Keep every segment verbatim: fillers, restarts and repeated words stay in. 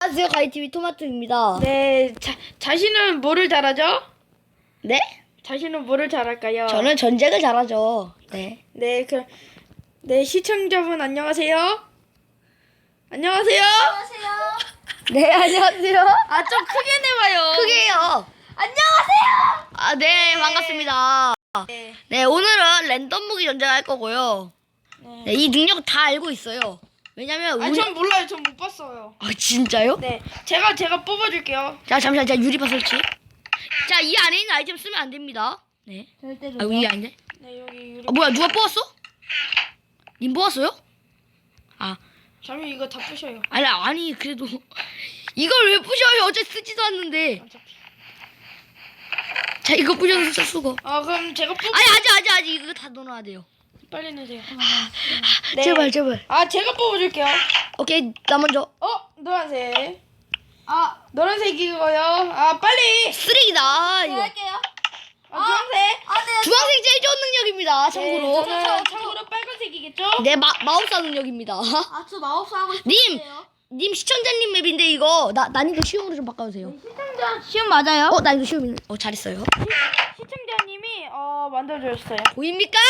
안녕하세요. 가이티비 토마토입니다. 네, 자, 자신은 뭐를 잘하죠? 네? 자신은 뭐를 잘할까요? 저는 전쟁을 잘하죠. 네. 네, 그, 네, 시청자분 안녕하세요. 안녕하세요. 안녕하세요. 네, 안녕하세요. 아, 좀 크게 내봐요. 크게요. 안녕하세요. 아, 네, 반갑습니다. 네. 네, 오늘은 랜덤 무기 전쟁할 거고요. 네. 네, 이 능력 다 알고 있어요. 왜냐면 아, 우리... 전 몰라요. 전 못 봤어요. 아, 진짜요? 네, 제가 제가 뽑아줄게요. 자, 잠시만. 자, 유리바 설치. 자, 이 안에 있는 아이템 쓰면 안 됩니다. 네. 절대로. 아, 이게 아닌데? 네, 여기 유리. 아, 뭐야, 누가 뽑았어? 님 뽑았어요? 아, 잠시 이거 다 부셔요. 아니, 아니, 그래도. 이걸 왜 부셔요? 어제 쓰지도 않는데. 어차피. 자, 이거 부셔서 써, 쓰고. 아, 그럼 제가 뽑. 아니, 아직, 아직, 아직. 이거 다 넣어놔야 돼요. 빨리 내세요. 네. 제발, 제발. 아, 제가 뽑아줄게요. 오케이, 나 먼저. 어, 노란색. 아, 노란색이고요. 아, 빨리. 쓰레기다, 제가 이거. 할게요. 아, 주황색. 아, 네. 주황색 제일 좋은 능력입니다, 참고로. 네, 저는 참고로 빨간색이겠죠? 네, 마, 마법사 능력입니다. 아, 저 마법사 하고 님! 싶은데요. 님 시청자님 맵인데, 이거. 나, 난이도 쉬움으로 좀 바꿔주세요. 시청자 시험 맞아요? 어, 난이도 쉬움. 어, 잘했어요. 시청자님이 어 만들어주셨어요. 보입니까?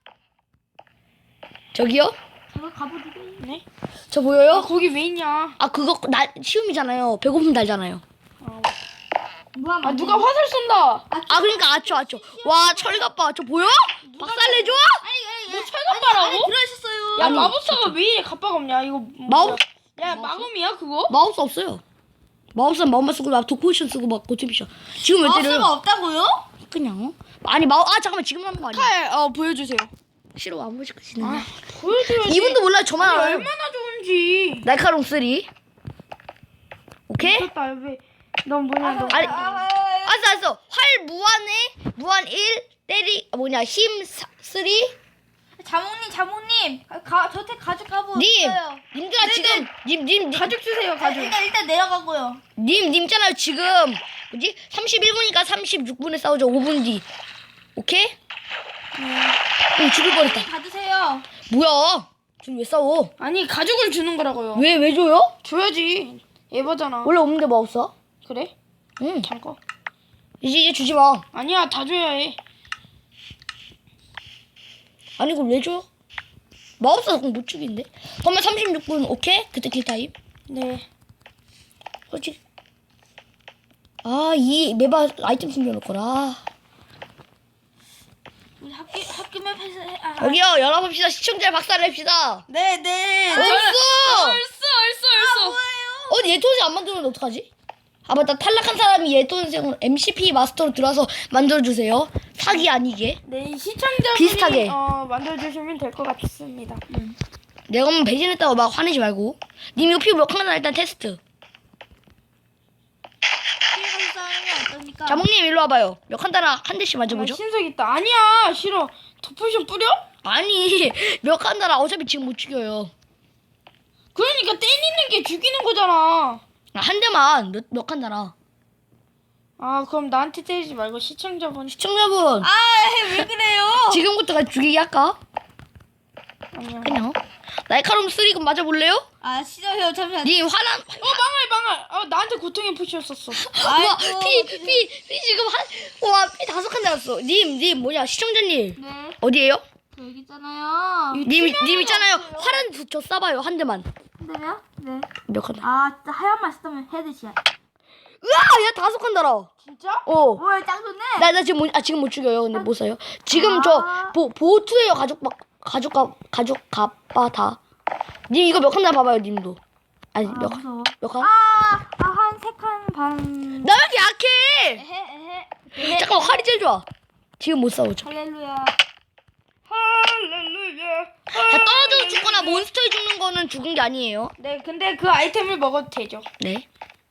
저기요? 제가 가보지고. 네? 저 아, 보여요? 거기 왜 있냐? 아, 그거, 나, 쉬움이잖아요. 배고픔 달잖아요. 어. 뭐야? 아, 누가 화살 쏜다. 아, 그러니까, 아초, 아초. 와, 철갑바. 저 보여? 박살내줘? 아니, 뭐 철갑바라고? 들어있었어요. 야, 아니, 마법사가 왜 이래 갑바가 없냐? 이거 뭐- 마법, 야, 마검이야 그거? 마법사 없어요. 마법사 마법만 쓰고, 막, 도포션 쓰고, 막, 고치비션. 지금 왜 때려요? 마법사가 없다고요? 그냥. 아니, 마법, 아, 잠깐만. 지금 하는 거 아니야? 칼, 어 보여주세요. 싫어, 안 보여줄거지는 아, 보여줘야지. 이분도 몰라요. 저만 아니, 알아요. 얼마나 좋은지. 날카로움 쓰리. 오케이? 미쳤다. 왜? 넌 뭐냐? 너. 아니, 아, 알았어, 알았어. 활 무한에, 무한 일, 때리, 아, 뭐냐, 힘 쓰리. 자몽님, 자몽님, 가, 저한테 가죽 가보. 님, 있어요. 님들아, 지금, 님, 님, 님, 가죽 주세요. 아, 가죽. 일단 일단 내려가고요. 님, 님잖아요. 지금, 뭐지? 삼십일 분이니까 삼십육 분에 싸우죠. 오 분 뒤. 오케이? 응, 죽을 뻔했다. 받으세요. 뭐야? 지금 왜 싸워? 아니 가죽을 주는 거라고요. 왜, 왜 줘요? 줘야지. 에바잖아. 원래 없는데 뭐 없어? 그래? 응. 잠깐. 이제, 이제 주지 마. 아니야, 다 줘야 해. 아니, 이걸 왜 줘? 마법사 그럼 못 죽인데? 그러면 삼십육 분, 오케이? 그때 킬타임. 네. 솔직히. 아, 이 매바 아이템 숨겨놓거라. 우리 학교 학교만 해서 해. 아, 아. 여기요, 연합합시다. 시청자 박살냅시다. 네, 네. 얼쑤! 얼쑤, 얼쑤, 얼쑤. 어, 얘토지 안 만들면 어떡하지? 아, 맞다. 탈락한 사람이 얘토생으로 엠시피 마스터로 들어와서 만들어주세요. 사기 아니게. 네, 시청자분이 비슷하게. 어, 만들어주시면 될 것 같습니다. 내가 뭐 배신했다고 막 화내지 말고. 님 이거 피부 몇 칸이나 일단 테스트. 피해가서 싸우는 게 어떠니까? 자몽님 일로 와봐요. 몇 칸 달아 한 대씩 아, 맞아보죠. 신석 있다. 아니야, 싫어. 더포션 뿌려? 아니, 몇 칸 달아. 어차피 지금 못 죽여요. 그러니까 때리는 게 죽이는 거잖아. 아, 한 대만 몇, 몇 칸 달아. 아, 그럼 나한테 때리지 말고 시청자분. 시청자분, 아, 왜 그래요? 지금부터가 죽이기 할까? 아니야. 그냥. 날카로움 쓰리금 맞아볼래요? 아, 싫어요. 잠시만. 님 화난. 어, 망할, 망할. 아, 나한테 고통의 푸시였었어. 와, 아이고. 피, 피, 피 지금 한, 와, 피 다섯 칸 달았어. 님, 님, 뭐냐, 시청자님. 네, 어디에요? 저 여기 있잖아요. 님, 님 있잖아요. 화란 두- 저 쏴봐요, 한 대만. 근데요? 네. 몇 칸? 달아? 아, 진짜 하얀 맛 쓰면 헤드샷. 으아! 야, 다섯 칸 달아. 진짜? 어. 뭐야, 짱 좋네. 나, 나 지금 못, 아, 지금 못 죽여요. 근데 못 써요. 지금 아. 저, 보, 보투예요, 가족, 막, 가족, 가, 가족, 가빠, 다. 님, 이거 몇 칸 달아 봐봐요, 님도. 아니, 아, 몇 칸? 무서워. 몇 칸? 아, 아, 한 세 칸 반. 나 왜 이렇게 약해? 에헤, 에헤. 잠깐 활이 제일 좋아. 지금 못 싸우죠. 할렐루야. 할렐루야. 다 떨어져서 죽거나 몬스터에 죽는 거는 죽은 게 아니에요. 네, 근데 그 아이템을 먹어도 되죠. 네.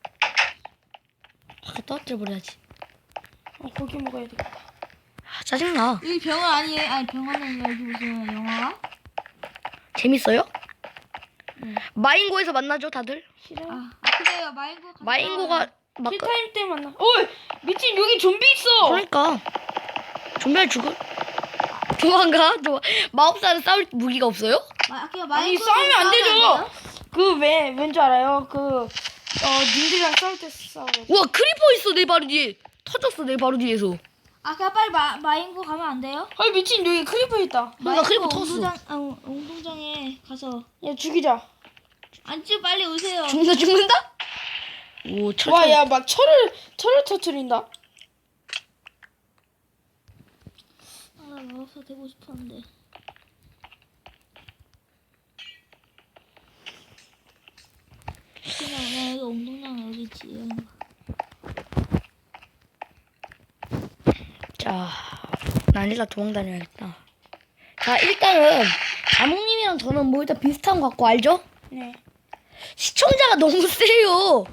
아, 떨어뜨려 버려야지. 어, 고기 먹어야 되겠다. 아, 짜증나. 여기 병원 아니에요? 아니, 병원은 여기 무슨 영화가? 재밌어요? 마인고에서 만나죠, 다들? 싫어. 아, 아 그래요. 마인고. 갔다 마인고가 와요. 막 킬타임 때 만나. 어, 미친 여기 좀비 있어. 그러니까 좀비를 죽을 도망가? 도 마법사는 싸울 무기가 없어요? 마, 그냥 아니 마인고 싸우면 안 되죠. 돼요? 그 왜 왠지 알아요? 그 어 님들이랑 싸울 때 싸워. 와 크리퍼 있어 내 바로 뒤에. 터졌어 내 바로 뒤에서. 아 그냥 빨리 마, 마인고 가면 안 돼요? 아 미친 여기 크리퍼 있다. 나 크리퍼 터졌어. 운동장, 아, 운동장에 가서 야 죽이자. 안주 빨리 오세요. 죽는다 죽는다? 오 철. 와 야 막 철을 철을 터트린다. 아, 마법사 되고 싶었는데. 그냥 나 여기 운동장 여기 있지. 자, 난 일단 도망 다녀야겠다. 자, 일단은 자몽님이랑 저는 뭐 일단 비슷한 것 같고 알죠? 네. 시청자가 너무 세요.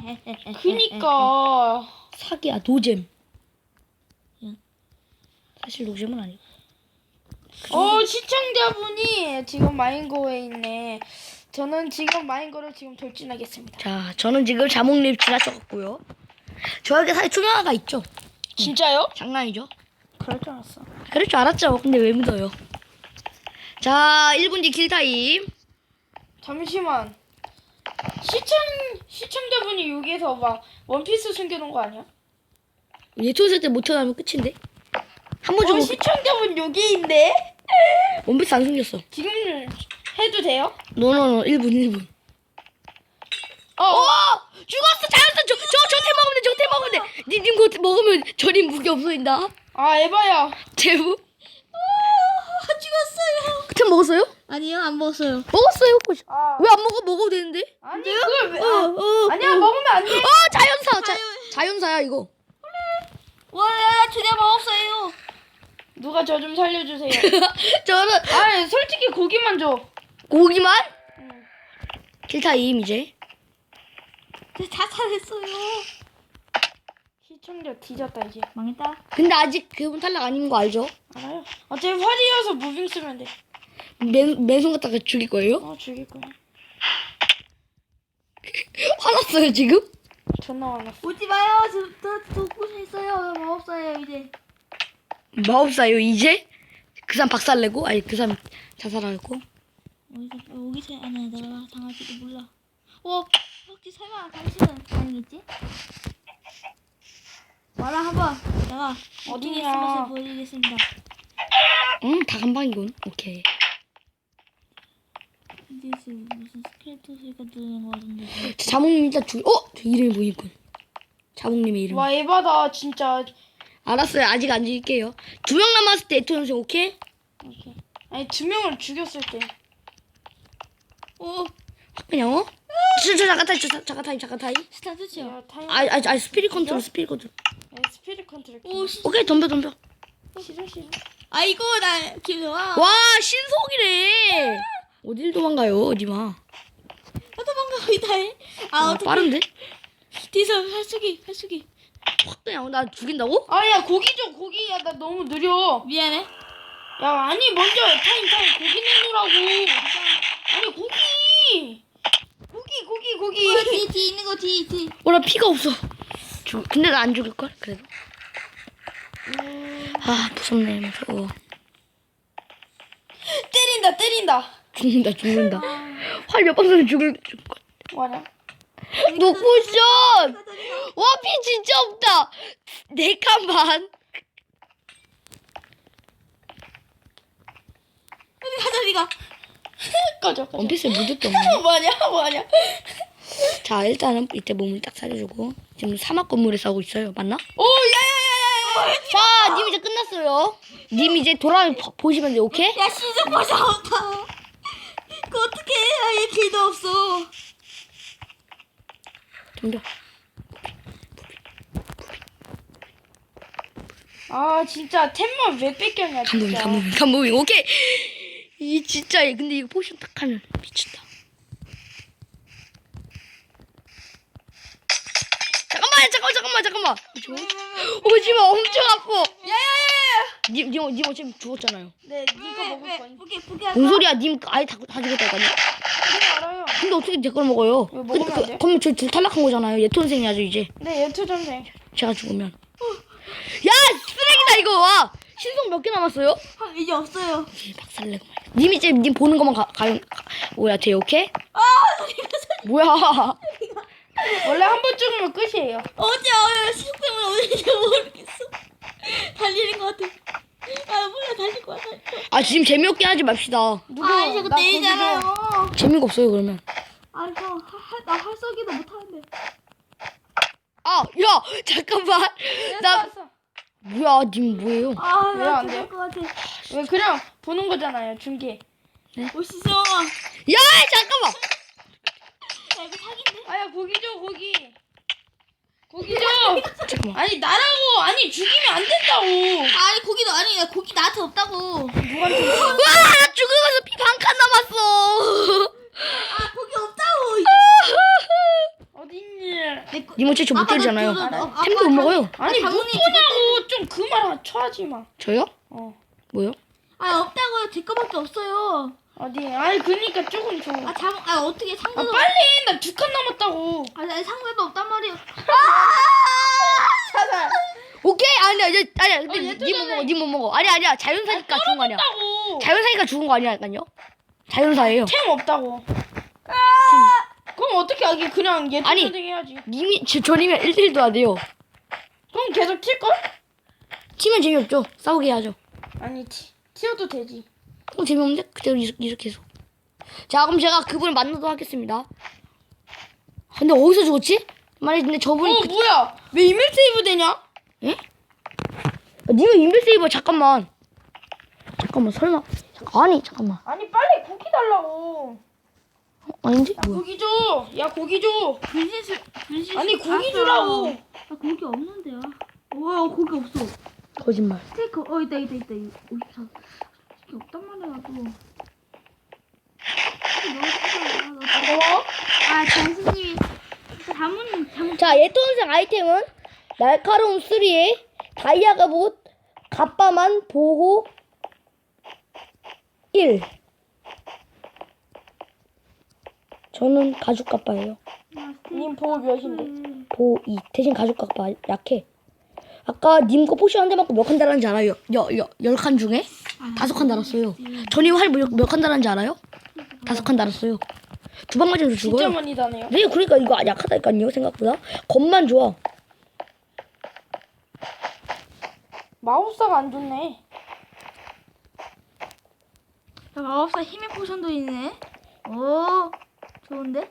그니까. 사기야 노잼. 응. 사실 노잼은 아니고. 어 시청자분이 지금 마인고에 있네. 저는 지금 마인고를 지금 돌진하겠습니다. 자, 저는 지금 자몽님 지나쳤고요. 저에게 사실 투명화가 있죠. 진짜요? 장난이죠? 그럴 줄 알았어. 그럴 줄 알았죠. 근데 왜 믿어요? 자, 일 분 뒤 킬타임. 잠시만. 시청 시청자분이 여기에서 막 원피스 숨겨놓은 거 아니야? 예토세 때 못 태어나면 끝인데? 한 번 어 주고 시청자분 여기 있네. 원피스 안 숨겼어. 지금 해도 돼요? 노노노 일 분 일 분. 어. 어! 죽었어! 자연산 저, 저, 저태 먹으면 돼! 저태 먹으면 돼! 님, 님 그거 먹으면 저님 무기 없어진다. 아 에바야. 제부? 아, 죽었어요. 그때 먹었어요? 아니요, 안 먹었어요. 먹었어요. 아. 왜 안 먹어? 먹어도 되는데? 아니 그걸 왜? 어, 아, 어, 아니야 어. 먹으면 안 돼. 어, 자연사! 자, 자연사야, 이거. 와, 나 드디어 먹었어요. 누가 저 좀 살려주세요. 저는 아니 솔직히 고기만 줘. 고기만? 응. 킬타임, 이제. 저 자살했어요. 시청자 뒤졌다 이제. 망했다. 근데 아직 그분 탈락 아닌 거 알죠? 알아요. 어차피 활이어서 무빙 쓰면 돼. 맨, 맨손 갖다가 죽일 거예요? 어 죽일 거야. 화났어요, 지금? 존나 화났어. 오지 마요. 저, 저 돕고 있어요. 마법사예요, 이제. 마법사요, 이제? 그 사람 박살내고? 아니, 그 사람 자살하고? 여기서 여기 제 아니야 내가 당할지도 몰라. 어 혹시 설마 당신은 아니겠지? 와라 한번 내가 어디에 어디야? 숨어서 보여드리겠습니다. 응, 다 간방이군. 오케이. 이제 무슨 스켈레토 소리가 들리는 거 같은데. 자, 자몽님 일단 죽, 어? 저 이름이 보이군. 자몽님의 이름. 와 에바다 진짜. 알았어요. 아직 안 죽일게요. 두 명 남았을 때 에토 선생 오케이? 오케이. 아니 두 명을 죽였을 때. 오 그냥 어? 저, 저 잠깐 타임, 저, 저, 잠깐 타임, 잠깐 타임. 스타트치요. 야 타임. 아, 아, 아, 스피릿 컨트롤, 스피릿 컨트롤. 야, 스피릿 컨트롤. 오 시. 오케이, 덤벼, 덤벼. 싫어 싫어. 아이고 나 김영아. 와, 신속이래. 어딜 도망가요, 니마. 나 도망가고 있다. 아 아, 어떻게? 빠른데? 뒤에서 할수기 할수기. 확 그냥 나 죽인다고? 아야 고기 줘 고기. 야 나 너무 느려. 미안해. 야 아니 먼저 타임 타임 고기 내놓으라고. 아니 고기. 고기 고기 고기. 어, 뒤, 뒤 있는 거 뒤, 뒤. 어, 나 피가 없어. 죽, 근데 나 안 죽일걸? 그래도. 아, 무섭네, 무서워. 때린다 때린다. 죽는다, 죽는다. 활 몇 방 쏘면 죽을, 죽을 것. 뭐냐? 노쿠션! 와, 피 진짜 없다! 네 칸만. 어디 가자, 어디가? 꺼져 꺼져. 원피스에 묻을 게 없네. 뭐냐 뭐냐. 자, 일단은 이때 몸을 딱 사려주고. 지금 사막 건물에 싸우고 있어요. 맞나? 오 야야야야야. 자, 님 이제 끝났어요. 님 이제 돌아 보시면 돼요, 오케이? 야, 시즌 벌써 없다. 그 어떻게 해? 아예 길도 없어. 덤벼. 아 진짜 템만 왜 뺏겼냐 감무빙, 진짜. 감무빙, 감무빙, 오케이! 이 진짜, 근데 이거 포션 딱 하면 미친다. 잠깐만, 잠깐만, 잠깐만, 잠깐만. 오지마, 엄청 아파. 야야야야. 님, 님, 님 어차피 죽었잖아요. 네 니가 먹을 거니. 포기, 포기하자. 뭔 소리야? 님 아예 다, 다 죽었다니까요. 그거 알아요. 근데 어떻게 제 걸 먹어요? 왜 먹으면 안 돼? 그러면 저둘 탈락한 거잖아요. 예톤생이야죠 이제. 네 예투전생. 제가 죽으면. 야, 쓰레기다 이거. 와, 신속 몇 개 남았어요? 아, 이제 없어요. 이 박살내고 말이야. 님 이제 님 보는 것만 가, 가요. 가, 뭐야, 돼 오케이? 아, 소리가 소리. 뭐야? 시간 찍으면 끝이에요. 어디 아 시속 때문에 어딘지 모르겠어. 달리는 것 같아. 아 몰라 달릴 것 같아. 아 지금 재미없게 하지 맙시다. 누구? 아 이거 나 내잖아요. 재미가 없어요 그러면. 아 이거 나 활쏘기도 못하는데. 아, 야, 잠깐만. 나 나 뭐야, 님 뭐예요? 왜안 아나 돼요? 죽을 것 같아. 왜 그냥 보는 거잖아요. 중계. 오시죠. 야, 잠깐만. 야 이거 사기인데? 아야 고기 줘 고기. 고기 줘. 잠깐만. 아니 나라고 아니 죽이면 안 된다고. 아니 고기도 아니 야 고기 나한테 없다고. 누구한테? 와, 나 죽으면서 피 반 칸 남았어. 아 고기 없다고. 어딨니? 내 거- 님 어차피 저 못 아까 너 때리잖아요. 저- 너- 아까 템도 못 먹어요. 아니 아, 못 당연히 보냐고 좀 그 말 쳐하지 마. 저요? 어 뭐요? 아 없다고요. 제 거밖에 없어요. 어디? 아니 그니까 조금 줘. 아 잠, 아 어떻게 아 상대도 빨리 나 두 칸 남았다고. 아 나 상대도 없단 말이에요. 찾아. 오케이, 아니야, 이제 아니야. 근데 어, 얘 님 못 뜯어내. 먹어, 님 못 먹어. 아니야, 아니야. 자연사니까 죽은 거 아니야. 없다고. 자연사니까 죽은 거 아니라니까요. 자연사예요. 템 없다고. 그럼 어떻게 하기? 그냥 예전 아니. 선생 해야지. 님이 저, 저님이랑 일 대 일도 안 돼요. 그럼 계속 튈 걸? 치면 재미없죠. 싸우게 해야죠. 아니 티, 튀어도 되지. 어, 재미없는데? 그대로 이렇게, 이렇게 해서. 자, 그럼 제가 그분을 만나도록 하겠습니다. 아, 근데 어디서 죽었지? 만약에 근데 저분이 어 그, 뭐야? 왜 이메일 세이브 되냐? 예? 아, 니가 인벤세이버 잠깐만. 잠깐만 설마. 아니 잠깐만. 아니 빨리 고기 달라고. 어, 아닌데? 야 뭐야? 고기 줘. 야 고기 줘. 분신술 분신술. 아니 고기 알았어. 주라고. 아 고기 없는데요. 와 고기 없어. 거짓말. 스테이크 어 있다 있다 있다. 오십사. 이게 없단 말이야 또. 고마워. 아 장수님이 자문 자문. 자, 예토원생 아이템은 날카로운 쓰리에 다이아 갑옷, 갑바만 보호 일. 저는 가죽 갑바예요. 님 보호 몇인데? 보호 이. 대신 가죽 갑바 약해. 아까 님 거 포션 한 대 맞고 몇 칸 달았는지 알아요? 여, 여, 열 칸 중에 다섯 칸 달았어요. 전이 활몇 칸 달았는지 알아요? 다섯 칸 달았어요. 두 방 맞으면 진짜 죽어요. 많이 다네요. 네, 그러니까 이거 약하다니까요, 생각보다. 겁만 좋아. 마법사가 안 좋네. 야, 마법사 힘의 포션도 있네. 오 좋은데?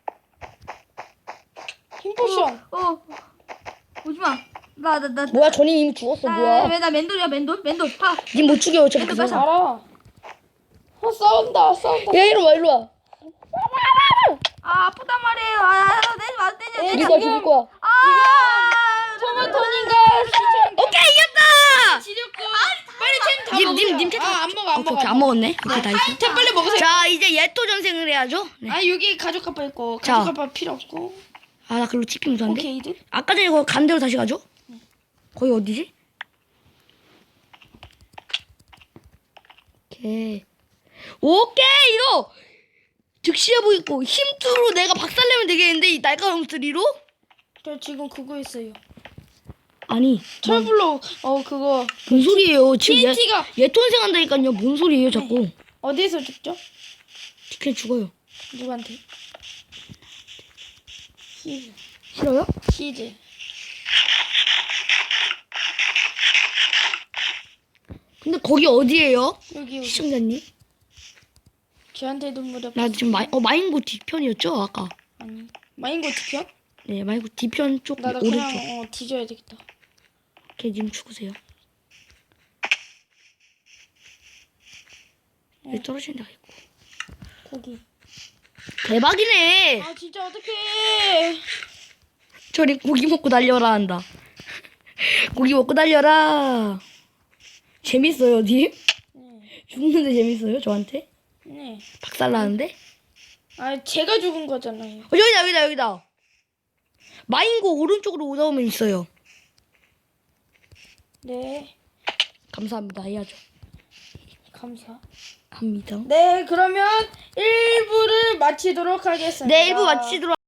힘 포션. 어, 어. 오지마. 나 나 나. 뭐야, 전이 이미 죽었어, 뭐야. 왜나 맨돌이야 맨돌 맨돌 파. 님 못 죽여, 어차피 얘도 그거. 가자. 알아. 어 싸운다 싸운다. 야, 이리 와, 이리 와. 아 아프단 말이에요. 아 내지 마 때려. 에, 죽일 거야, 죽일 거야. 아. 토마토님과 시청. 오케이, 이겼다! 지렸고. 빨리 템 다 님, 먹으세요. 님, 님 템. 아, 안 먹어 안 오케이, 먹어. 오케이, 안 먹었네. 오케이, 다 있어. 템 빨리 먹으세요. 자, 이제 예토 전생을 해야죠. 네. 아 여기 가죽 가빠 있고 자. 가죽 가빠 필요 없고. 아, 나 그걸로 티피 못하는데. 오케이드. 아까 전에 이거 간 대로 다시 가죠? 거기 어디지? 오케이. 오케이, 이거! 즉시해 보이고, 힘투로 내가 박살내면 되겠는데, 이 날카로운 쓰리로? 저 지금 그거 있어요. 아니, 철블록 어 그거 뭔 소리예요? 지금 얘, 티엔티가 얘 톤생 한다니까요. 뭔 소리예요, 자꾸. 어디에서 죽죠? 티켓 죽어요. 누구한테? 히즈. 싫어요? 히즈. 근데 거기 어디예요? 여기 여기. 시청자님? 저한테도 무렵. 나 지금 마이, 어, 마인고 뒤편이었죠, 아까? 아니. 마인고 뒤편? 네, 마인고 뒤편 쪽 나도 오른쪽. 그냥 어 뒤져야 되겠다. 오케이, 님 죽으세요. 여기 떨어지는 데가 있고. 거기. 대박이네! 아 진짜 어떡해. 저리 고기 먹고 달려라 한다. 고기 먹고 달려라. 재밌어요, 님? 네. 죽는데 재밌어요, 저한테? 네. 박살나는데? 아 제가 죽은 거잖아요. 어, 여기다, 여기다, 여기다. 마인고 오른쪽으로 오다 보면 있어요. 네. 감사합니다, 해야죠. 감사. 합니다. 네 그러면 일 부를 마치도록 하겠습니다. 네, 일 부 마치도록